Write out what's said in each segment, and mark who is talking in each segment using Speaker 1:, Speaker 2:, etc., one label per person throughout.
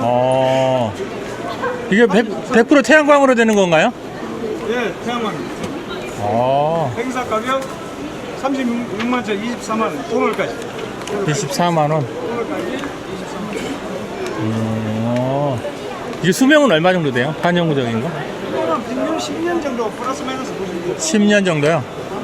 Speaker 1: 이게 100% 태양광으로 되는 건가요?
Speaker 2: 예, 태양광.
Speaker 1: 행사
Speaker 2: 행사 가격 36만원, 24만원, 오늘까지.
Speaker 1: 24만원.
Speaker 2: 오늘까지 24만원.
Speaker 1: 이게 수명은 얼마 정도 돼요? 한영구적인 거?
Speaker 2: 이거는 평균 10년 정도 플러스 마이너스 보시면 돼요.
Speaker 1: 10년 정도요?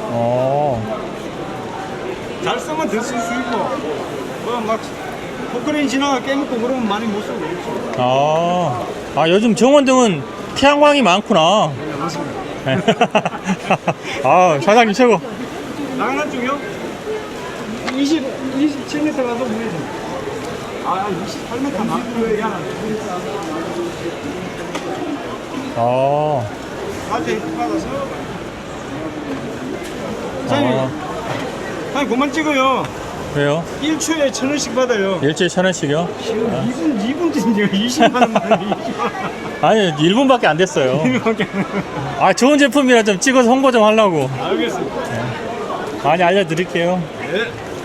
Speaker 2: 잘 쓰면 더 쓸 수 있고, 막 포크레인 지나가 깨먹고 그러면 많이 못 쓰고 그렇죠.
Speaker 1: 요즘 정원등은 태양광이 많구나.
Speaker 2: 네, 맞습니다.
Speaker 1: 사장님 최고.
Speaker 2: 나가는 중이요? 27m 가서 문에서. 28m 미안하네. 낮에 받아서. 사장님, 그만 찍어요.
Speaker 1: 왜요?
Speaker 2: 1초에 1,000원씩 받아요.
Speaker 1: 일주일에 1,000원씩이요?
Speaker 2: 2분 뒤인데요. 20만원 만에 20만원.
Speaker 1: 아니 1분밖에 안 됐어요. 좋은 제품이라 좀 찍어서 홍보 좀 하려고.
Speaker 2: 알겠습니다.
Speaker 1: 많이 알려드릴게요.
Speaker 2: 네.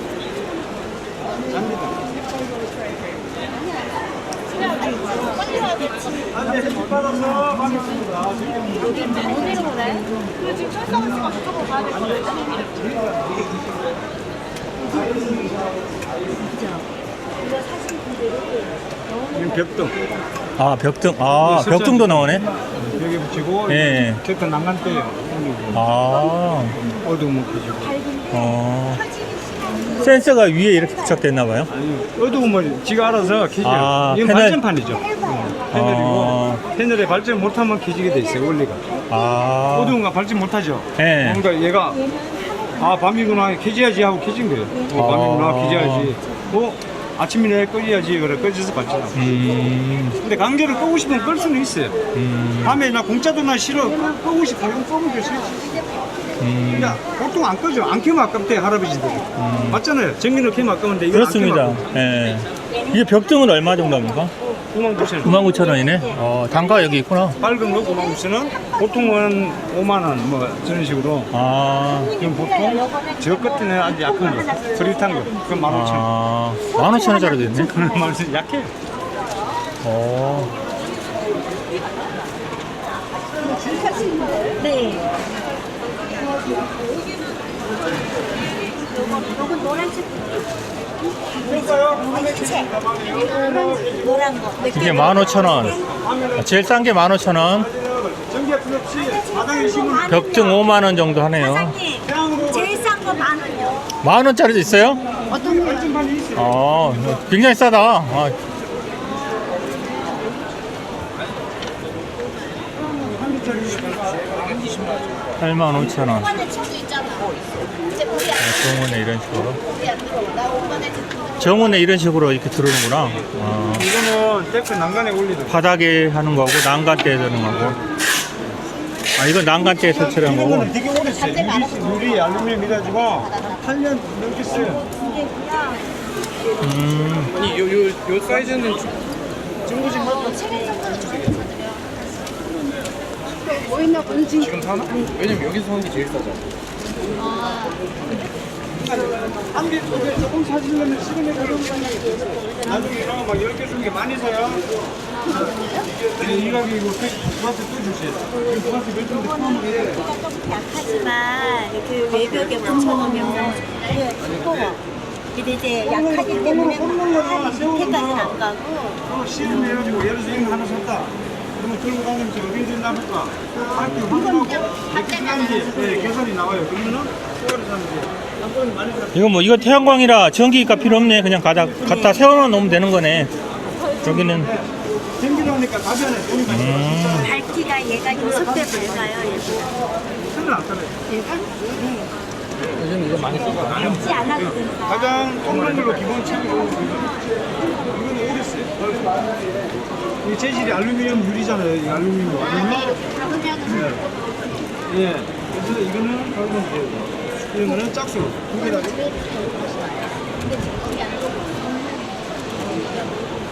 Speaker 2: 받아서 가겠습니다.
Speaker 3: 어디로 오나요? 그 지금 철사원 씨가 그쪽으로 가야 될 거예요.
Speaker 2: 이건 벽등.
Speaker 1: 벽등. 벽등도 나오네.
Speaker 2: 벽에 붙이고
Speaker 1: 예.
Speaker 2: 벽등 난간대요. 어두운 켜지고.
Speaker 1: 센서가 위에 이렇게 부착됐나봐요.
Speaker 2: 아니 어두우면 지가 알아서 켜져요. 이건
Speaker 1: 패널.
Speaker 2: 발전판이죠. 패널이고 패널에 발전 못하면 켜지게 돼 있어요. 원리가. 어두운 거 발전 못하죠.
Speaker 1: 예.
Speaker 2: 그러니까 얘가 밤이구나 켜져야지 하고 켜진 거예요. 밤이구나 켜져야지. 아침이네 꺼져야지 그래 꺼져서 발전하고. 근데 강제로 끄고 싶으면 끌 수는 있어요. 밤에 나 공짜도 나 싫어 끄고 싶어 이건 끄면 될 수 있지. 그러니까 보통 안 끄죠. 안 켜면 아깝대 할아버지들. 맞잖아요. 전기를 켜면 아까운데 이거
Speaker 1: 그렇습니다.
Speaker 2: 안 켜면
Speaker 1: 예. 이게 벽등은 얼마 정도입니까?
Speaker 2: 99,000원.
Speaker 1: 99,000원이네. 단가 여기 있구나.
Speaker 2: 밝은 거 99,000원. 보통은 5만원 뭐 저런 식으로. 그럼 보통 저 끝에는 아주 약한 거. 흐릿한 거. 그건 15,000원.
Speaker 1: 15,000원짜리 됐네.
Speaker 2: 그런 말씀 약해.
Speaker 3: 네. 요건 노란색. 색. 노란 거.
Speaker 1: 이게 15,000원. 제일 싼 게 15,000원.
Speaker 2: 전기가 필요 없이 바닥에 심은
Speaker 1: 벽등 5만원 정도 하네요.
Speaker 3: 사장님, 제일 싼 거 10,000원이요.
Speaker 1: 10,000원짜리도 있어요?
Speaker 3: 어떤 거?
Speaker 2: 발전판이 있어요.
Speaker 1: 굉장히 싸다. 85,000원.
Speaker 3: 오빠네 친구 있잖아. 이제 우리
Speaker 1: 정원에 이런 식으로.
Speaker 3: 안 들어. 나 오빠네 친구.
Speaker 1: 정원에 이런 식으로 이렇게 들어오는구나.
Speaker 2: 이거는 데크 난간에 올리는
Speaker 1: 바닥에 하는 거고 난간대에 드는 거고. 이건 난간대에 설치를 한 거고.
Speaker 2: 이거는 되게 오래 써요. 유리 알루미늄 이래가지고 8년 넘게 써요.
Speaker 4: 아니 요 사이즈는
Speaker 2: 중고식
Speaker 4: 지금 사나? 왜냐면 여기서 사는 게 제일 싸죠.
Speaker 2: 한개 조금 사시려면 시간이 걸리는 나중에 이런 거 막 10개 주는 게 많이 사요. 이 가격이고 부가세 또 주세요. 지금 부가세 몇 정도 포함하게
Speaker 3: 조금 약하지만 그 외벽에 붙여놓으면 두꺼워. 근데 이제 약하기 때문에 밑에까지는 안 가고.
Speaker 2: 실험해가지고 예를 들어서 이거 하나 샀다. 그러면 들고 다니면서 어디든 남을까? 할때 확인하고 몇개 필요한지 계산이 나와요. 그러면은 그거를 사면 돼요.
Speaker 1: 이거 태양광이라 전기가 필요 없네. 그냥 갖다 세워놓으면 놓으면 되는 거네. 여기는.
Speaker 2: 전기로 하니까 가변에 돈이 많이 들어요.
Speaker 3: 밝기가 얘가 6배 밝아요.
Speaker 2: 큰일 났잖아요.
Speaker 4: 요즘 이거 많이 쓰고
Speaker 3: 밝지 않아도 된다.
Speaker 2: 가장 통로물로 기본 챙기고 이거는 오래 써요. 이 재질이 알루미늄 유리잖아요. 이 알루미늄. 예. 그래서 이거는 밝으면 돼요. 이런 거는 짝수로 두 개다.